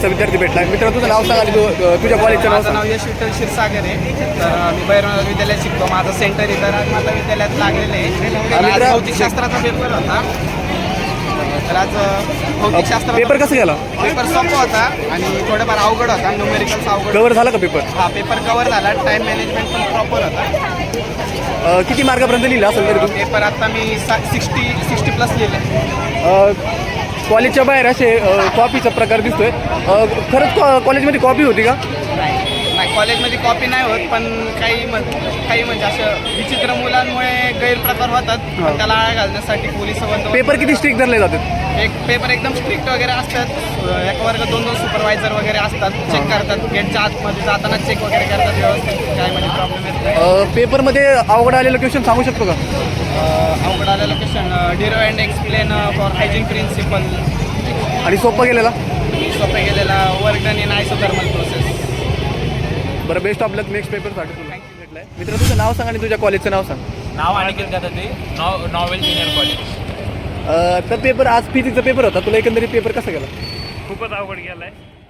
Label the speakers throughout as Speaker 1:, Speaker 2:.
Speaker 1: 12वीचा विद्यार्थी भेटला. मित्र तुझं नाव सांग आणि तुझ्या कॉलेजचं नाव
Speaker 2: माझं
Speaker 1: सांग.
Speaker 2: नाव यश विठ्ठल क्षीरसागर आहे. तर मी भैरवनाथ विद्यालयात शिकतो. माझं सेंटर इथं राजमाता विद्यालयात लागलेलं आहे. आज भौतिकशास्त्राचा पेपर होता. तर आज भौतिकशास्त्र
Speaker 1: पेपर कसं गेला?
Speaker 2: पेपर सोपा होता आणि थोडंफार अवघड होता. न्यूमेरिकल्स अवघड.
Speaker 1: कव्हर झाला का पेपर?
Speaker 2: हा पेपर कव्हर झाला. टाईम मॅनेजमेंट पण प्रॉपर होता.
Speaker 1: किती मार्कापर्यंत लिहिलं असेल तरी तू?
Speaker 2: पेपर आता मी 60 प्लस लिहिले.
Speaker 1: कॉलेजच्या बाहेर असे कॉपीचा प्रकार दिसतोय. खरंच कॉलेजमध्ये कॉपी होती का?
Speaker 2: नाही कॉलेजमध्ये कॉपी नाही होत, पण काही म्हणजे असं विचित्र मुलांमुळे गैरप्रकार होतात. पण त्याला आळा घालण्यासाठी पोलीस बंदोबस्त.
Speaker 1: पेपर किती स्ट्रिक्ट धरले जातात?
Speaker 2: पेपर एकदम स्ट्रिक्ट वगैरे असतात. एका वर्ग 2 सुपरवायझर वगैरे असतात. चेक करतात. गेटच्या आतमध्ये जाताना चेक वगैरे करतात व्यवस्थित. काय म्हणजे प्रॉब्लेम येत नाही.
Speaker 1: पेपरमध्ये अवघड आलेलं क्वेश्चन सांगू शकतो का?
Speaker 2: अवघड आलेलं question derive and explain for Huygens principle.
Speaker 1: आणि सोपं गेलेला?
Speaker 2: सोपे गेलेला work done in isothermal process.
Speaker 1: बरं, बेस्ट ऑफ लक नेक्स्ट पेपरसाठी तुला. भेटलाय मित्र, तुझं नाव सांग आणि तुझ्या कॉलेजचं नाव सांग.
Speaker 3: नाव Aniket Gadate, novel junior college.
Speaker 1: तर पेपर आज फिजिक्सचा पेपर होता. तुला एकंदरीत पेपर कसा गेला?
Speaker 3: खूपच अवघड गेलाय.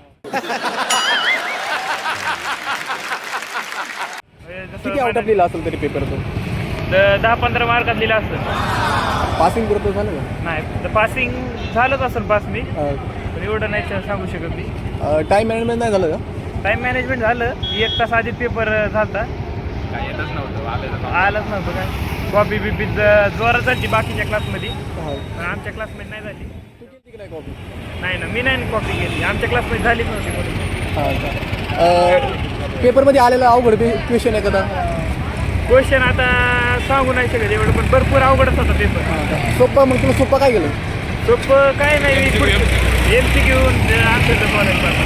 Speaker 1: किती आउट ऑफ लिहिला असेल तरी पेपर तो?
Speaker 3: 10-15 मार्कात लिहिला असतं.
Speaker 1: पासिंग पुरतं झालं का?
Speaker 3: नाही तर पासिंग झालंच असेल पास मी, पण एवढं नाही सांगू शकत मी.
Speaker 1: टाईम मॅनेजमेंट नाही झालं का?
Speaker 3: टाईम मॅनेजमेंट झालं. 1 तास आधी पेपर झालता.
Speaker 2: काय येतच नव्हतं.
Speaker 3: आलंच नव्हतं काय. कॉपी बिपी जोरात झाली बाकीच्या क्लासमध्ये, पण आमच्या क्लासमध्ये नाही झाली.
Speaker 1: तू केली की नाही कॉपी?
Speaker 3: नाही ना, मी नाही कॉपी केली. आमच्या क्लासमध्ये झालीच नव्हती कोणी.
Speaker 1: पेपरमध्ये आलेला अवघड क्वेश्चन आहे का?
Speaker 3: क्वेश्चन आता सांगू नाही शकत एवढं, पण भरपूर अवघडच होता पेपर.
Speaker 1: सोप्पा, मग तुला सोप्पा काय गेलं?
Speaker 3: सोपं काय नाही, MCQ आन्सर कॉलेज.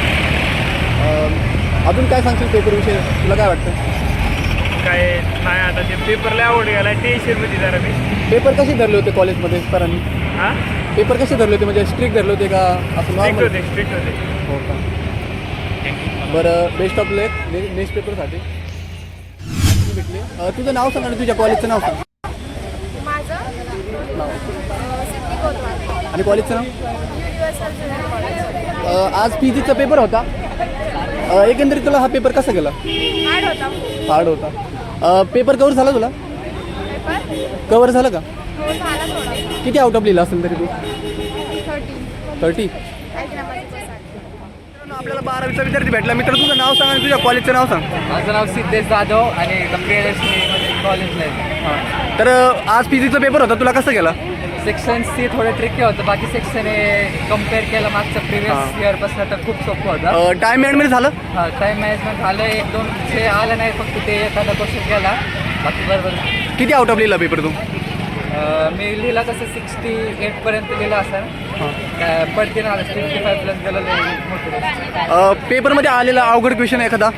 Speaker 1: अजून काय सांगशील पेपरविषयी? तुला काय वाटतं?
Speaker 3: काय नाही, आता ते पेपरला आवड गेला. टेन्शनमध्ये जरा मी.
Speaker 1: पेपर कसे धरले होते कॉलेजमध्ये सरांनी?
Speaker 3: हां,
Speaker 1: पेपर कसे धरले होते? म्हणजे स्ट्रिक्ट धरले होते का असं नॉर्मल?
Speaker 3: स्ट्रिक्ट होते.
Speaker 1: हो का? बरं, बेस्ट ऑफ लक नेक्स्ट पेपरसाठी. भेटले. तुझं नाव सांग आणि तुझ्या कॉलेजचं नाव सांग.
Speaker 4: माझं
Speaker 1: नाव
Speaker 4: सिद्धी कोतवाल.
Speaker 1: आणि कॉलेजचं नाव?
Speaker 4: Universal junior college.
Speaker 1: आज फिजिक्सचा पेपर होता. एकंदरीत तुला हा पेपर कसा गेला?
Speaker 4: हार्ड होता.
Speaker 1: हार्ड होता. पेपर कवर झाला तुला?
Speaker 4: पेपर
Speaker 1: कवर झालं का?
Speaker 4: हो झाला थोडा.
Speaker 1: किती आउट ऑफ लिहिला असेल तरी तू? 30?
Speaker 4: 30. ऐक ना माझी
Speaker 1: आपल्याला 12वीचा विद्यार्थी भेटला. मित्र, तुझं नाव सांग आणि तुझ्या कॉलेजचं नाव सांग.
Speaker 2: माझं नाव सिद्धेश जाधव आणि प्रियदर्शनी कॉलेजला आहे.
Speaker 1: तर आज फिजिक्सचा पेपर होता. तुला कसं गेला?
Speaker 2: सेक्शन सी थोडं ट्रिकी होतं. बाकी सेक्शन हे कम्पेअर केलं मागचं प्रिव्हियस इयरपासून तर खूप सोपं होतं.
Speaker 1: टाईम मॅनेजमेंट झालं?
Speaker 2: हा टाईम मॅनेजमेंट झालं. 1-2 विषय आलं नाही, फक्त ते एखादा क्वेश्चन केला. बाकी बरोबर.
Speaker 1: किती आउट ऑफ लिहिला पेपर तू?
Speaker 2: मी लिहिला तसं 68पर्यंत लिहिला असेल. पडते ना 65 प्लस गेलं मोठं.
Speaker 1: पेपरमध्ये आलेला अवघड क्वेश्चन एखादा?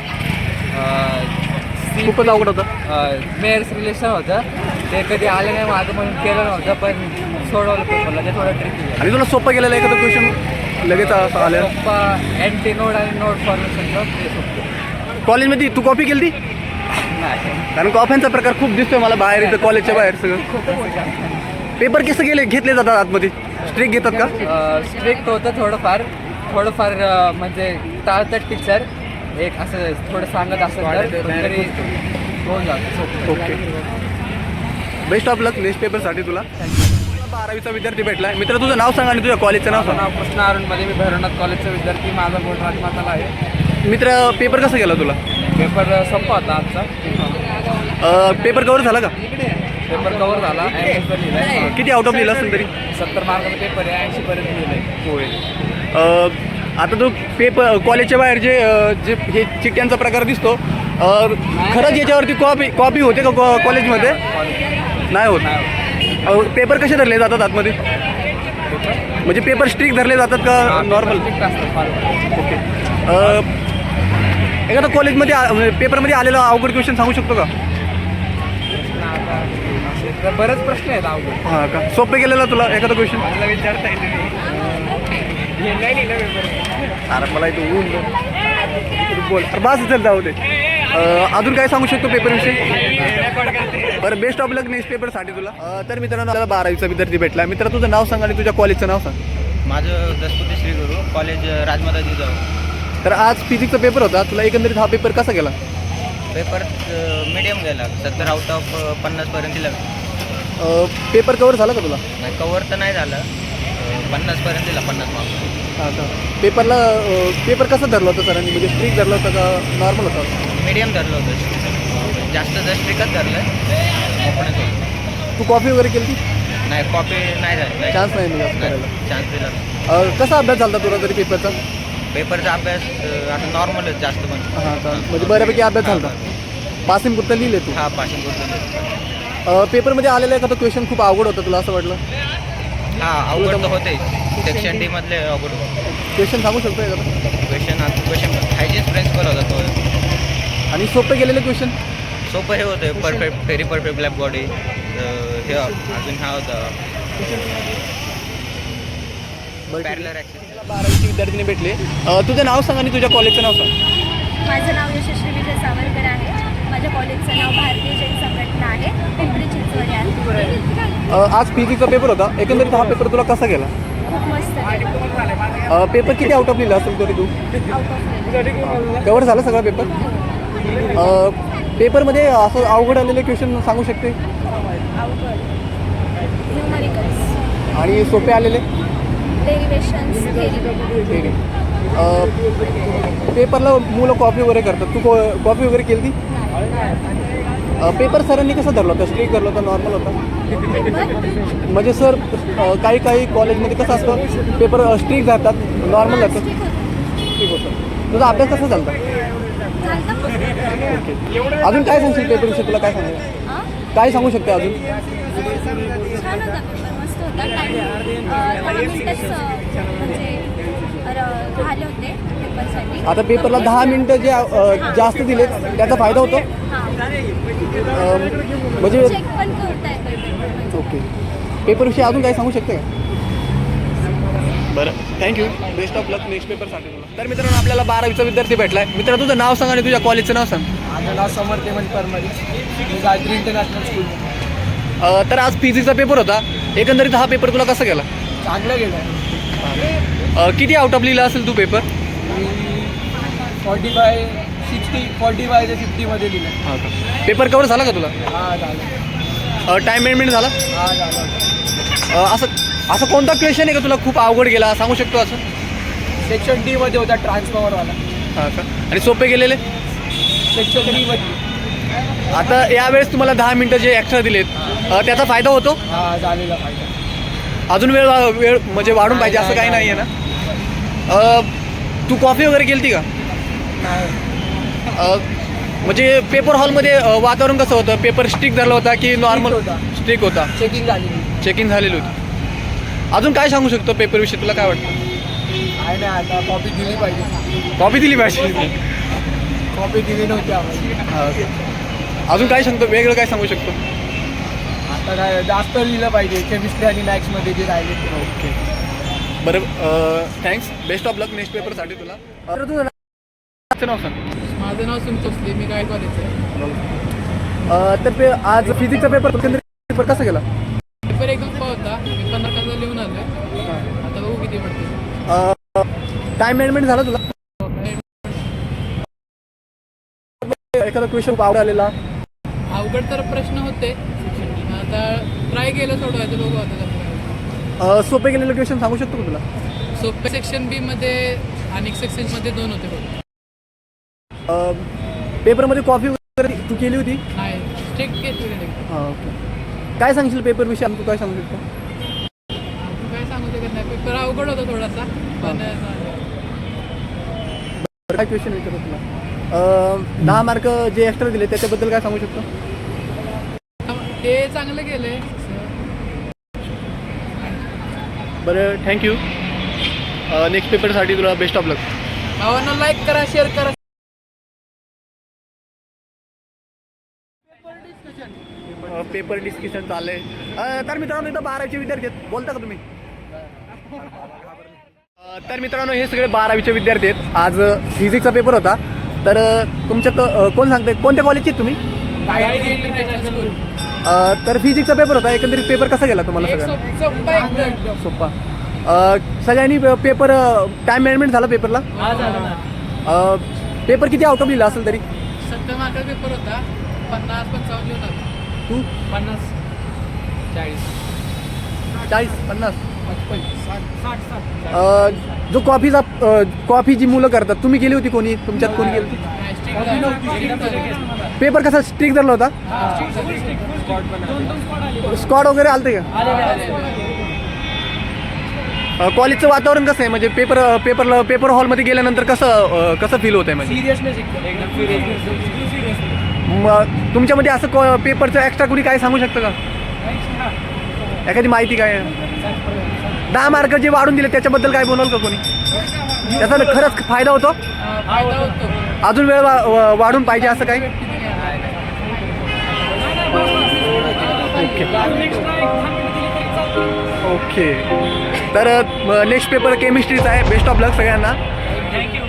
Speaker 1: खूपच अवघड होतं.
Speaker 2: मेयर्स रिलेशन होतं. ते कधी आलं नाही माझं म्हणून केलं नव्हतं, पण सोडवलं पेपरला. ते थोडं ट्रिकी.
Speaker 1: आणि तुला सोपं गेलेला एखादा क्वेश्चन लगेच असं आलं?
Speaker 2: सोप्पा अँटी नोड आणि नोड फॉर्मेशनचं ते सोपं.
Speaker 1: कॉलेजमध्ये तू कॉपी केली ती?
Speaker 2: नाही.
Speaker 1: कारण कॉफ्यांचा प्रकार खूप दिसतोय मला बाहेर इथं कॉलेजच्या बाहेर सगळं. पेपर कसं घेतले जातात आतमध्ये? स्ट्रिक्ट घेतात का?
Speaker 2: स्ट्रिक्ट होतं थोडंफार म्हणजे टाळतात टीचर. एक असं थोडं सांगत असं तरी होऊन जातं.
Speaker 1: Okay, best of luck next पेपरसाठी तुला. 12वीचा विद्यार्थी भेटला. मित्र, तुझं नाव सांग आणि तुझ्या कॉलेजचं नाव सांग.
Speaker 2: नाव कृष्ण अरुणमध्ये. मी भैरवनाथ कॉलेजचा विद्यार्थी. माझा बोर्ड राजमाताला आहे.
Speaker 1: मित्र, पेपर कसा गेला तुला?
Speaker 2: पेपर सोपा होता आजचा.
Speaker 1: पेपर कवर झाला का?
Speaker 2: पेपर कवर झाला. लिहिलाय.
Speaker 1: किती आउट ऑफ लिहिला असेल तरी?
Speaker 2: 70 मार्काचा पेपर आहे. 80पर्यंत लिहिलंय.
Speaker 1: होय. आता तो पेपर कॉलेजच्या बाहेर जे हे चिठ्ठ्यांचा प्रकार दिसतो, खरंच याच्यावरती कॉपी होते का कॉलेजमध्ये? नाही होत. पेपर कसे धरले जातात आतमध्ये? म्हणजे पेपर स्ट्रिक्ट धरले जातात का नॉर्मल? ओके. एखादा कॉलेजमध्ये पेपरमध्ये आलेला अवघड क्वेश्चन सांगू शकतो का?
Speaker 2: बरेच प्रश्न आहेत अवघड.
Speaker 1: हां का? सोपे गेलेला तुला एखादा क्वेश्चन?
Speaker 2: मला विचारता येते.
Speaker 1: अरे मला इथं ऊन बोल बस चल जाऊ दे. अजून काय सांगू शकतो पेपरविषयी? बरं, बेस्ट ऑफ लक नेक्स्ट पेपरसाठी तुला. तर मित्रांनो, आपल्याला 12वीचा विद्यार्थी भेटला. मित्र, तुझं नाव सांग आणि तुझ्या कॉलेजचं नाव सांग.
Speaker 2: माझं दसपुते श्री गुरु कॉलेज राजमाता जिजाऊ.
Speaker 1: तर आज फिजिक्सचा पेपर होता, तुला एकंदरीत हा पेपर कसा गेला?
Speaker 2: पेपर मीडियम गेला, 70 आउट ऑफ 50पर्यंत दिला.
Speaker 1: पेपर कवर झाला का तुला?
Speaker 2: नाही कवर तर नाही झालं, 50पर्यंत दिला, 50 मार्क्स.
Speaker 1: हां का. पेपर कसा धरला होता सरांनी, म्हणजे स्ट्रिक धरला होता का नॉर्मल होता?
Speaker 2: मीडियम धरलं होतं, जास्त स्ट्रिकच धरलं ओपनच होतं.
Speaker 1: तू कॉफी वगैरे केली?
Speaker 2: नाही कॉपी नाही झाली,
Speaker 1: चान्स नाही मिळाला करायला.
Speaker 2: चान्स दिला.
Speaker 1: कसा अभ्यास झाला तुला तरी पेपरचा?
Speaker 2: पेपरचा अभ्यास आता नॉर्मलच जास्त पण.
Speaker 1: हां का, म्हणजे बऱ्यापैकी अभ्यास झाला. पासिंग पुरतं लिहिले तू?
Speaker 2: हा पासिंग करतो.
Speaker 1: पेपरमध्ये आलेला एखादा क्वेश्चन खूप अवघड होतं तुला असं वाटलं?
Speaker 2: हा अवघड तर होते, सेक्शन डी मधले अवघड होते.
Speaker 1: क्वेश्चन सांगू शकतो एखादा?
Speaker 2: क्वेश्चन हायजीन प्रिन्सिपल होता तो.
Speaker 1: आणि सोपे गेलेले क्वेश्चन?
Speaker 2: सोपं हे होतं, perfect very perfect black body. हे अजून हा होता पॅरलर ॲक्सिस.
Speaker 1: 12वीचे विद्यार्थीने भेटले. तुझं नाव सांग आणि तुझ्या कॉलेजचं नाव सांग.
Speaker 4: माझं नाव यशस्वी विजय सावरकर आहे. माझ्या कॉलेजचं नाव भारतीय जैन संघटना आहे, पिंपरी चिंचवड आहे.
Speaker 1: आज फिजिक्सचा पेपर होता, एकंदरीत हा पेपर तुला कसा गेला?
Speaker 4: खूप मस्त आहे.
Speaker 1: पेपर किती आउट ऑफ लिहिला असेल तरी तू?
Speaker 4: आउट ऑफ
Speaker 1: कवर झाला सगळा पेपर? पेपरमध्ये असं अवघड आलेले क्वेश्चन सांगू शकते?
Speaker 4: अवघड न्यूमरिकल्स,
Speaker 1: आणि सोपे आलेले?
Speaker 4: डेरिवेशन्स,
Speaker 1: ठीक आहे. पेपरला मुलं कॉपी वगैरे करतात, तू कॉपी वगैरे केली ती? पेपर सरांनी कसं धरलं होतं, स्ट्रिक धरलं होतं नॉर्मल होता? म्हणजे सर काही कॉलेजमध्ये कसं असतं, पेपर स्ट्रिक धरतात नॉर्मल जातं? ठीक होतं. तुझा अभ्यास कसा झाला? ओके. अजून काय सांगशील पेपरविषयी, तुला काय सांगायचं? काय सांगू शकते अजून?
Speaker 4: छान होता पेपर, मस्त होता. टाईम 10 मिनिटच म्हणजे झाले होते पेपरसाठी.
Speaker 1: आता पेपरला 10 मिनिटं जे जास्त दिले त्याचा फायदा होतो? म्हणजे
Speaker 4: चेक पण करता येतो.
Speaker 1: ओके. पेपरविषयी अजून काय सांगू शकते का? बरं, thank you. Best of luck next पेपरसाठी तुला. तर मित्रांनो आपल्याला 12वीचा विद्यार्थी भेटला आहे. मित्रांनो तुझं नाव सांग आणि तुझ्या कॉलेजचं नाव सांग.
Speaker 5: माझं नाव समर्थ हेमंत परमारी, मी गायत्री इंटरनॅशनल स्कूल.
Speaker 1: तर आज फिजिक्सचा पेपर होता, एकंदरीत हा पेपर तुला कसा गेला?
Speaker 5: चांगलं गेलं आहे.
Speaker 1: किती आउट ऑफ लिहिला असेल तू पेपर?
Speaker 5: मी 45 ते 50मध्ये दिलं.
Speaker 1: हां का. पेपर कवर झाला का तुला?
Speaker 5: हा झालं.
Speaker 1: टाईम मॅनेजमेंट झाला?
Speaker 5: हा झालं.
Speaker 1: असं कोणता क्वेश्चन आहे का तुला खूप अवघड गेला सांगू शकतो असं?
Speaker 5: सेक्शन डी मध्ये होता ट्रान्सफॉर्मरवाला.
Speaker 1: हां का. आणि सोपे गेलेले?
Speaker 5: सेक्शन डी मध्ये.
Speaker 1: आता यावेळेस तुम्हाला 10 मिनटं जे एक्स्ट्रा दिलेत त्याचा फायदा होतो?
Speaker 5: हा झालेला फायदा.
Speaker 1: अजून वेळ म्हणजे वाढून पाहिजे असं काही नाही आहे ना? तू कॉफी वगैरे केली ती का?
Speaker 5: नाही.
Speaker 1: म्हणजे पेपर हॉलमध्ये वातावरण कसं होतं? पेपर स्ट्रिक धरला होता की नॉर्मल?
Speaker 5: होता.
Speaker 1: स्ट्रिक होता.
Speaker 5: चेकिंग झालेली.
Speaker 1: चेकिंग झालेली होती. अजून काय सांगू शकतो पेपरविषयी, तुला काय वाटतं?
Speaker 5: काय नाही, आता कॉपी दिली पाहिजे.
Speaker 1: कॉपी दिली पाहिजे.
Speaker 5: कॉपी दिली नव्हती आम्हाला.
Speaker 1: अजून काय सांगतो, वेगळं काय सांगू शकतो?
Speaker 5: आता काय जास्त लिहिलं पाहिजे केमिस्ट्री आणि मॅथ्समध्ये जे राहिले ते.
Speaker 1: ओके. बरं, thanks. Best of luck next पेपरसाठी तुला. तर तुझं नाव सांग.
Speaker 5: माझं नाव सुमचोसले, मी काय कॉलेजचं.
Speaker 1: तर आज फिजिक्सचा पेपर कसा गेला?
Speaker 5: पेपर एकदम सोपा होता, मी 15 तासात लिहून आलो. आता बघू किती पडते.
Speaker 1: टाईम मॅनेजमेंट झाला तुला? एखादा क्वेश्चन आवड आलेला?
Speaker 5: अवघड तर प्रश्न होते, आता ट्राय केलं सोडवायचं, बघू आता.
Speaker 1: सोपे गेलेले क्वेश्चन सांगू शकतो का तुला?
Speaker 5: सोपे सेक्शन बी मध्ये आणि सेक्शनमध्ये 2 होते बघ.
Speaker 1: पेपरमध्ये कॉफी वगैरे तू केली होती?
Speaker 5: नाही, स्ट्रिक्ट घेतलेले.
Speaker 1: हां, ओके. काय सांगशील पेपरविषयी, तू काय सांगू शकतो?
Speaker 5: काय सांगू शकत नाही, पेपर अवघड होता थोडासा, पण
Speaker 1: काय क्वेश्चन विचारतो तुला? 10 मार्क जे एक्स्ट्रा दिले त्याच्याबद्दल काय सांगू शकतो?
Speaker 5: ते चांगलं केलंय.
Speaker 1: बरं, थँक्यू. नेक्स्ट पेपरसाठी तुला बेस्ट ऑफ लक.
Speaker 5: भावांना लाईक करा, शेअर करा.
Speaker 1: पेपर डिस्कशन चाललंय. तर मित्रांनो इथं 12वीचे विद्यार्थी आहेत, बोलता का तुम्ही? तर मित्रांनो हे सगळे 12वीचे विद्यार्थी आहेत. आज फिजिक्सचा पेपर होता. तर तुमच्या कोण सांगते कोणत्या कॉलेजचे आहेत तुम्ही? तर फिजिक्सचा पेपर होता, एकंदरीत पेपर कसा गेला तुम्हाला? सगळ्यांना सोपा. सगळ्यांनी पेपर टाईम मॅनेजमेंट झाला पेपरला? पेपर किती आउट ऑफ लिहिला असेल तरी?
Speaker 5: 70 मार्काचा पेपर होता, 50-55 लिहून आलो.
Speaker 1: तू
Speaker 5: 50 40
Speaker 1: 40 50
Speaker 5: 60
Speaker 1: जो कॉफी जी मुलं करतात, तुम्ही केली होती? कोणी तुमच्यात कोणी केली होती? पेपर कसा स्ट्रिक्ट झाला होता? स्क्वॉड वगैरे आलते का? कॉलेजचं वातावरण कसं आहे? म्हणजे पेपर हॉलमध्ये गेल्यानंतर कसं फील होत आहे? म्हणजे मग तुमच्यामध्ये असं पेपरचं एक्स्ट्रा कुणी काय सांगू शकतं का? एखादी माहिती काय? 10 मार्क जे वाढून दिले त्याच्याबद्दल काय बोलाल का कोणी? त्याचा खरंच फायदा होतो?
Speaker 5: फायदा होतो.
Speaker 1: अजून वेळ वाढून पाहिजे असं काही? ओके. तर नेक्स्ट पेपर केमिस्ट्रीचा आहे. बेस्ट ऑफ लक सगळ्यांना.